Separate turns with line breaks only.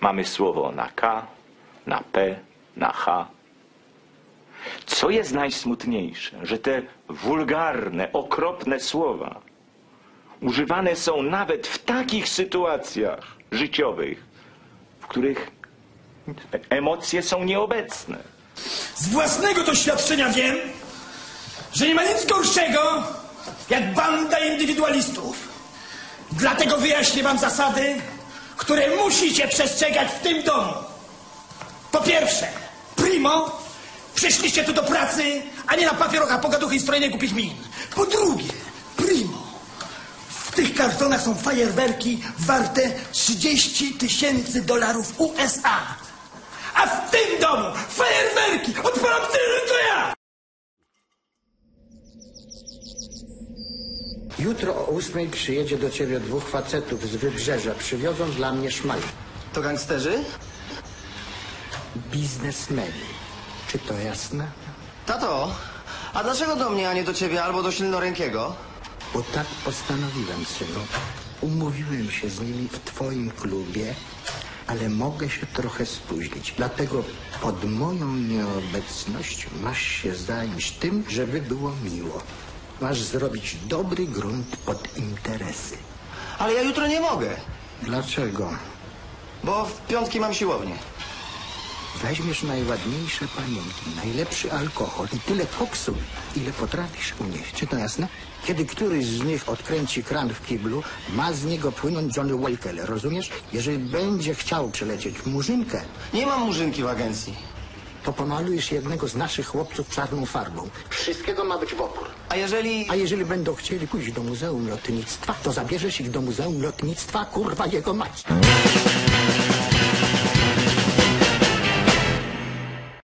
Mamy słowo na K, na P, na H. Co jest najsmutniejsze, że te wulgarne, okropne słowa używane są nawet w takich sytuacjach życiowych, w których emocje są nieobecne.
Z własnego doświadczenia wiem, że nie ma nic gorszego jak banda indywidualistów. Dlatego wyjaśnię wam zasady, które musicie przestrzegać w tym domu. Po pierwsze, primo, przyszliście tu do pracy, a nie na papierocha, pogaduchy i strojenie głupich min. Po drugie, primo, w tych kartonach są fajerwerki warte $30,000 USA. A w tym domu fajerwerki odpalam tylko ja!
Jutro o 8 przyjedzie do ciebie 2 facetów z Wybrzeża. Przywiozą dla mnie szmal.
To gangsterzy?
Biznesmeni. Czy to jasne?
Tato, a dlaczego do mnie, a nie do ciebie albo do silnorękiego?
Bo tak postanowiłem, synu. Umówiłem się z nimi w twoim klubie, ale mogę się trochę spóźnić. Dlatego pod moją nieobecność masz się zająć tym, żeby było miło. Masz zrobić dobry grunt pod interesy.
Ale ja jutro nie mogę,
Dlaczego?
bo w piątki mam siłownię.
Weźmiesz najładniejsze panienki, najlepszy alkohol i tyle koksu, ile potrafisz unieść. Czy to jasne? Kiedy któryś z nich odkręci kran w kiblu, ma z niego płynąć Johnny Walker, rozumiesz? Jeżeli będzie chciał przelecieć murzynkę,
Nie mam murzynki w agencji.
to pomalujesz jednego z naszych chłopców czarną farbą. Wszystkiego ma być w opór.
A
jeżeli będą chcieli pójść do Muzeum Lotnictwa, to zabierzesz ich do Muzeum Lotnictwa, kurwa jego mać.